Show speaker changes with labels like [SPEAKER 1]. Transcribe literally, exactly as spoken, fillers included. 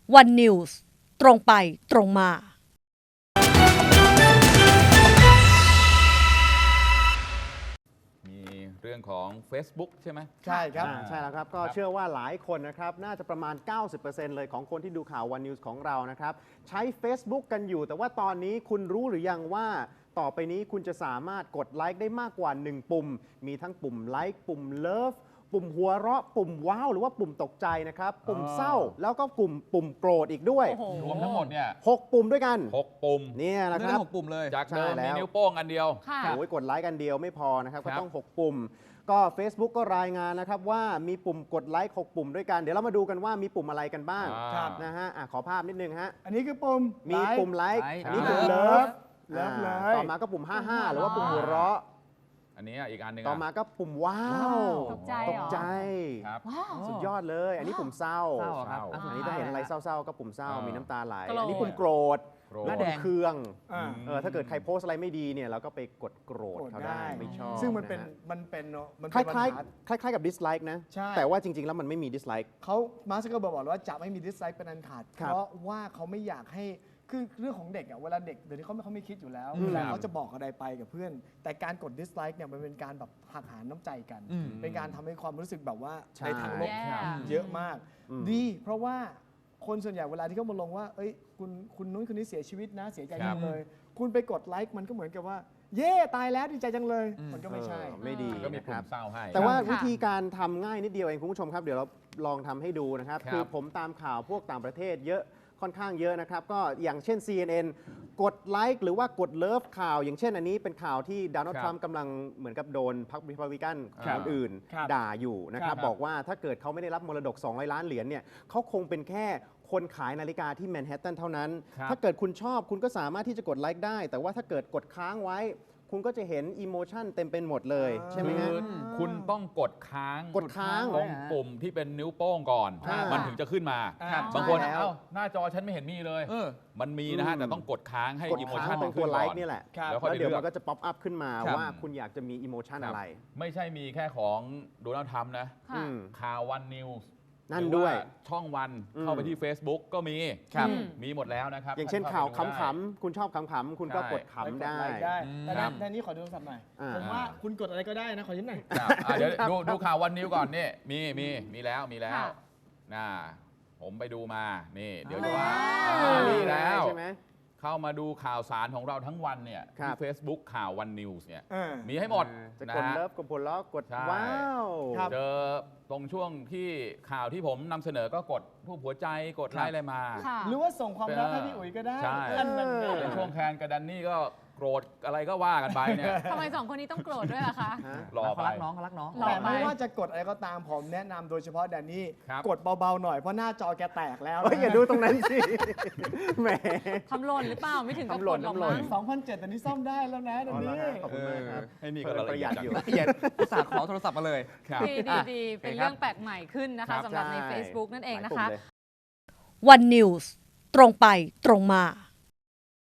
[SPEAKER 1] วันนิวส์ตรงไปตรงมา
[SPEAKER 2] มีเรื่องของ Facebook ใช่ไหม
[SPEAKER 3] ใช่ครับ
[SPEAKER 4] ใช่แล้วครับก็เชื่อว่าหลายคนนะครับน่าจะประมาณ เก้าสิบเปอร์เซ็นต์ เลยของคนที่ดูข่าว วัน นิวส์ ของเรานะครับใช้ Facebook กันอยู่แต่ว่าตอนนี้คุณรู้หรือยังว่าต่อไปนี้คุณจะสามารถกดไลค์ได้มากกว่าหนึ่งปุ่มมีทั้งปุ่มไลค์ปุ่มเลิฟปุ่มหัวเราะปุ่มว้าวหรือว่าปุ่มตกใจนะครับปุ่มเศร้าแล้วก็กลุ่มปุ่มโกรธอีกด้วย
[SPEAKER 2] รวมทั้งหมดเนี่ย
[SPEAKER 4] หกปุ่มด้วยกัน
[SPEAKER 2] หกปุ่ม
[SPEAKER 4] เนี่ยนะค
[SPEAKER 3] เรื่
[SPEAKER 4] รั
[SPEAKER 3] อบ งหกปุ่มเลย
[SPEAKER 2] จากเดิม
[SPEAKER 4] ใช่แล้ว
[SPEAKER 2] มีนิ้วโป้งอันเดียว
[SPEAKER 5] ค่ะ
[SPEAKER 4] โอ้ยกดไลค์กันเดียวไม่พอนะครับ
[SPEAKER 2] ครั
[SPEAKER 4] ก็
[SPEAKER 2] บ
[SPEAKER 4] ต้อง หก ปุ่ม ก็ Facebook ก็รายงานนะครับว่ามีปุ่มกดไลค์หกปุ่มด้วยกัน เดี๋ยวเรามาดูกันว่ามีปุ่มอะไรกันบ้าง
[SPEAKER 2] อ่า
[SPEAKER 3] ครับ
[SPEAKER 4] นะฮะอ่ะขอภาพนิดนึงฮะ
[SPEAKER 3] อันนี้คือปุ่ม
[SPEAKER 4] มีปุ่มไลค์
[SPEAKER 3] ไลค์
[SPEAKER 4] อันนี้
[SPEAKER 2] ครั
[SPEAKER 4] ปุ่
[SPEAKER 2] บ
[SPEAKER 4] มเลิฟ
[SPEAKER 3] เลิฟเลย
[SPEAKER 4] ต่อมาก็ปุ่ม ห้าห้า หรือว่าปุ่มหัวเราะ
[SPEAKER 2] อันนี้อีกอันหนึ่ง
[SPEAKER 4] ต่อมาก็ปุ่มว้าว
[SPEAKER 5] ตกใจ
[SPEAKER 4] ต
[SPEAKER 5] เหร
[SPEAKER 4] ก
[SPEAKER 5] อ
[SPEAKER 4] ใจ
[SPEAKER 2] ครับ
[SPEAKER 5] ว้าว
[SPEAKER 4] สุดยอดเลย อันนี้ปุ่มเศร้า
[SPEAKER 3] เศร้าครับ
[SPEAKER 2] เศร้า
[SPEAKER 4] อันนี้ถ้าเห็นอะไรเศร้าๆก็ปุ่มเศร้า
[SPEAKER 2] อ่ามี
[SPEAKER 4] มีน้ำตาไหล
[SPEAKER 5] โกรธ
[SPEAKER 4] อันนี้ปุ่มโกรธ
[SPEAKER 2] โกรธ
[SPEAKER 4] หน้า
[SPEAKER 3] แด
[SPEAKER 4] แด
[SPEAKER 3] ง
[SPEAKER 4] งเครื่อง
[SPEAKER 3] อ่า
[SPEAKER 4] เออถ้าเกิดใครโพสต์อะไรไม่ดีเนี่ยเราก็ไปกดโกรธเขาได้ไม่ชอบ
[SPEAKER 3] ซึ่งมันเป็น
[SPEAKER 4] นะฮะ
[SPEAKER 3] มันเป็นเนอะมัน
[SPEAKER 4] ค
[SPEAKER 3] เป็นปัญ
[SPEAKER 4] ล้าย
[SPEAKER 3] หา
[SPEAKER 4] ๆคล้ายๆกับ dislike นะ
[SPEAKER 3] ใช่
[SPEAKER 4] แต่ว่าจริงๆ แล้วมันไม่มี dislike
[SPEAKER 3] เขามาร์คซักเกอร์เบิร์กบอกเลยว่าจะไม่มีดิสไลค์เป็นอันขาด
[SPEAKER 4] ครับ
[SPEAKER 3] เพราะว่าเขาไม่อยากให้คือเรื่องของเด็กอ่ะเวลาเด็กเดี๋ยวนี้เขาไม่เขาไม่คิดอยู่แล้ว
[SPEAKER 4] อืม
[SPEAKER 3] เวลาเขาจะบอกอะไรไปกับเพื่อน แต่การกดดิสไลค์เนี่ยมันเป็นการแบบหักหาน้ำใจกัน เป็นการทำให้ความรู้สึกแบบว่า
[SPEAKER 4] ใช่
[SPEAKER 3] ในทางลบ
[SPEAKER 5] แย่
[SPEAKER 3] เยอะมาก
[SPEAKER 4] อืม
[SPEAKER 3] ดี เพราะว่าคนส่วนใหญ่เวลาที่เขามาลงว่า เอ้ยคุณคุณนู้นคนนี้เสียชีวิตนะเสียใจ
[SPEAKER 2] ครั
[SPEAKER 3] จั
[SPEAKER 2] บ
[SPEAKER 3] งเลย คุณไปกดไลค์มันก็เหมือนกับว่า เย่ตายแล้วดีใจจังเลย มันก็ไม่ใช่
[SPEAKER 4] เออไม่ดี
[SPEAKER 2] ก็มี
[SPEAKER 4] นะค
[SPEAKER 2] ปุ่
[SPEAKER 4] รั
[SPEAKER 2] ม
[SPEAKER 4] บ
[SPEAKER 2] เศร้าให้
[SPEAKER 4] แต่ว่า
[SPEAKER 5] ค่ะ
[SPEAKER 4] วิธีการทำง่ายนิดเดียวเองคุณผู้ชมครับ เดี๋ยวเราลองทำให้ดูนะครับ
[SPEAKER 2] ครับ
[SPEAKER 4] คือผมตามข่าวพวกต่างประเทศเยอะค่อนข้างเยอะนะครับ ก็อย่างเช่น ซี เอ็น เอ็น กดไลค์หรือว่ากดเลิฟข่าว อย่างเช่นอันนี้เป็นข่าวที่โดนัลด์
[SPEAKER 2] ครับ
[SPEAKER 4] ทรัมป์กำลังเหมือนกับโดนพรรครีพับลิกัน
[SPEAKER 2] ครับ
[SPEAKER 4] คนอื่น
[SPEAKER 3] ครับ
[SPEAKER 4] ด่าอยู่นะครับ
[SPEAKER 2] ครับ
[SPEAKER 4] บอกว่าถ้าเกิดเขาไม่ได้รับมรดกสองร้อยล้านเหรียญเนี่ยเขาคงเป็นแค่คนขายนาฬิกาที่แมนฮัตตันเท่านั้น
[SPEAKER 2] ครับ
[SPEAKER 4] ถ้าเกิดคุณชอบคุณก็สามารถที่จะกดไลค์ได้ แต่ว่าถ้าเกิดกดค้างไว้ คุณก็จะเห็นอิโมชันเต็มเป็นหมดเลยใช่ไหม
[SPEAKER 2] คื
[SPEAKER 4] ฮะ
[SPEAKER 2] อคุณต้องกดค้าง
[SPEAKER 4] กดค้าง
[SPEAKER 2] ตรงปุ่มที่เป็นนิ้วโป้งก่อน
[SPEAKER 4] อ่ามั
[SPEAKER 2] มันถึงจะขึ้นมา
[SPEAKER 3] ครับ
[SPEAKER 2] บางคน
[SPEAKER 4] ใช่แล้ว
[SPEAKER 2] เอ้าหน้าจอฉันไม่เห็นมีเลย
[SPEAKER 3] เออ
[SPEAKER 2] มันมีนะฮะ
[SPEAKER 4] อืม
[SPEAKER 2] แต่ต้องกดค้างให้
[SPEAKER 4] กด
[SPEAKER 2] อิโม
[SPEAKER 4] ค้าง
[SPEAKER 2] ชัน
[SPEAKER 4] ตรงตัวไลค์นี่แหละ
[SPEAKER 3] ครับ
[SPEAKER 2] แล้วค่อย
[SPEAKER 4] แล้ว
[SPEAKER 2] ไป
[SPEAKER 4] เดี๋ยว
[SPEAKER 2] เลือ
[SPEAKER 4] มัน
[SPEAKER 2] ก
[SPEAKER 4] ก็จะป๊อปอัพขึ้นมา
[SPEAKER 2] ครับ
[SPEAKER 4] ว่าคุณอยากจะมีอิโมชัน
[SPEAKER 2] ครับ
[SPEAKER 4] อะไร
[SPEAKER 2] ไม่ใช่มีแค่ของโดนัลด์ทรัมป์นะ
[SPEAKER 5] ค่ะ
[SPEAKER 4] อืม
[SPEAKER 2] ข่าววันนิวส์
[SPEAKER 4] นั่นด้วย
[SPEAKER 2] ช่องวัน
[SPEAKER 4] อืม
[SPEAKER 2] เข้าไปที่ Facebook ก็มี
[SPEAKER 5] ครับ
[SPEAKER 2] มีหมดแล้วนะครับ
[SPEAKER 4] อย่างเช่น
[SPEAKER 2] ท่
[SPEAKER 4] ข่าว
[SPEAKER 2] เข้ไปดูได้
[SPEAKER 4] ขำๆคุณชอบขำๆคุณก็
[SPEAKER 2] ใช่
[SPEAKER 4] กดขำได้
[SPEAKER 3] ไลค์ได้แต่
[SPEAKER 2] ครั
[SPEAKER 3] ใน
[SPEAKER 2] บ
[SPEAKER 3] ในนี้ขอดูโทรศัพท์หน่อย
[SPEAKER 4] อ่า
[SPEAKER 3] ผมว่าคุณกดอะไรก็ได้นะ ขอยิ้มหน่อย
[SPEAKER 2] ครับอ่ะเดี๋ยวดูดูข่าววันนิวก่อนนี่มีมีมีแล้วมีแล้ว
[SPEAKER 5] ค่ะ
[SPEAKER 2] น่าผมไปดูมานี่ เดี๋ยว
[SPEAKER 5] ว้าว
[SPEAKER 2] จะว่า
[SPEAKER 4] อ่า
[SPEAKER 2] อ่า
[SPEAKER 4] นี่
[SPEAKER 2] มีแล้ว
[SPEAKER 4] ใช่ไหม
[SPEAKER 2] เข้ามาดูข่าวสารของเราทั้งวันเนี่ย
[SPEAKER 4] ครั
[SPEAKER 2] ที่
[SPEAKER 4] บ
[SPEAKER 2] Facebook ข่าววันนิวส์เนี่ย
[SPEAKER 3] เออ
[SPEAKER 2] มีให้หมด
[SPEAKER 4] จะ
[SPEAKER 2] นะ
[SPEAKER 4] กด
[SPEAKER 2] ฮะ
[SPEAKER 4] เลิฟกดผลล้อกด
[SPEAKER 2] ใช่
[SPEAKER 4] ว้าว
[SPEAKER 3] ครับ
[SPEAKER 2] เจอตรงช่วงที่ข่าวที่ผมนำเสนอก็กดรูปหัวใจกดไลค์อะไรมา
[SPEAKER 5] ค่ะ
[SPEAKER 3] หรือว่าส่งความรักให้พี่อุ๋ยก็ได้
[SPEAKER 2] ใช่
[SPEAKER 3] อันนั้นไง
[SPEAKER 2] ในช่วงแคนกับดันนี่ก็โกรธอะไรก็ว่ากันไปเนี่ย
[SPEAKER 5] ทำไมสองคนนี้ต้องโกรธด้วยล่ะคะ
[SPEAKER 4] ฮะ
[SPEAKER 2] รอไป
[SPEAKER 6] เขารักน้องเขารักน้อง
[SPEAKER 5] รอ
[SPEAKER 3] แต่
[SPEAKER 5] ไป
[SPEAKER 3] ไม่ว่าจะกดอะไรก็ตามผมแนะนำโดยเฉพาะแดนนี่
[SPEAKER 2] ครับ
[SPEAKER 3] กดเบาๆหน่อยเพราะหน้าจอแกแตกแล้ว
[SPEAKER 4] เฮ้ยอย่าดูตรงนั้นสิ แหม
[SPEAKER 5] ทำหล่นหรือเปล่า ไม่ถึงกับ
[SPEAKER 4] ทำหล่
[SPEAKER 5] ก
[SPEAKER 4] น
[SPEAKER 5] ดหรอก
[SPEAKER 4] ทำหล่
[SPEAKER 5] มั้
[SPEAKER 4] น
[SPEAKER 5] ง
[SPEAKER 3] สองพันเจ็ดแต่นี่ซ่อมได้แล้วนะแดน
[SPEAKER 4] อ๋อเหรอ
[SPEAKER 3] นี่
[SPEAKER 4] ฮะขอบคุณมากครับ
[SPEAKER 2] ให้นี่ก็
[SPEAKER 4] เพิ่ม
[SPEAKER 2] ละ
[SPEAKER 4] ประ
[SPEAKER 2] เอี
[SPEAKER 4] ห
[SPEAKER 2] ย
[SPEAKER 4] ยั
[SPEAKER 2] ด
[SPEAKER 4] ด
[SPEAKER 2] จัง
[SPEAKER 4] อยู่
[SPEAKER 6] ละเอียดอุตส่าห์ขอโทรศัพท์มาเลย
[SPEAKER 2] ครับ
[SPEAKER 5] ดีดีดีเป็น
[SPEAKER 6] ครับ
[SPEAKER 5] เรื่องแปลกใหม่ขึ้นนะคะ
[SPEAKER 2] ครับ
[SPEAKER 5] สำหรับใน
[SPEAKER 4] ใช่
[SPEAKER 5] Facebook นั่นเอง
[SPEAKER 4] หลาย
[SPEAKER 5] นะ
[SPEAKER 4] ปุ่ม
[SPEAKER 5] คะ
[SPEAKER 4] เลย
[SPEAKER 1] วันนิวส์ตรงไปตรงมา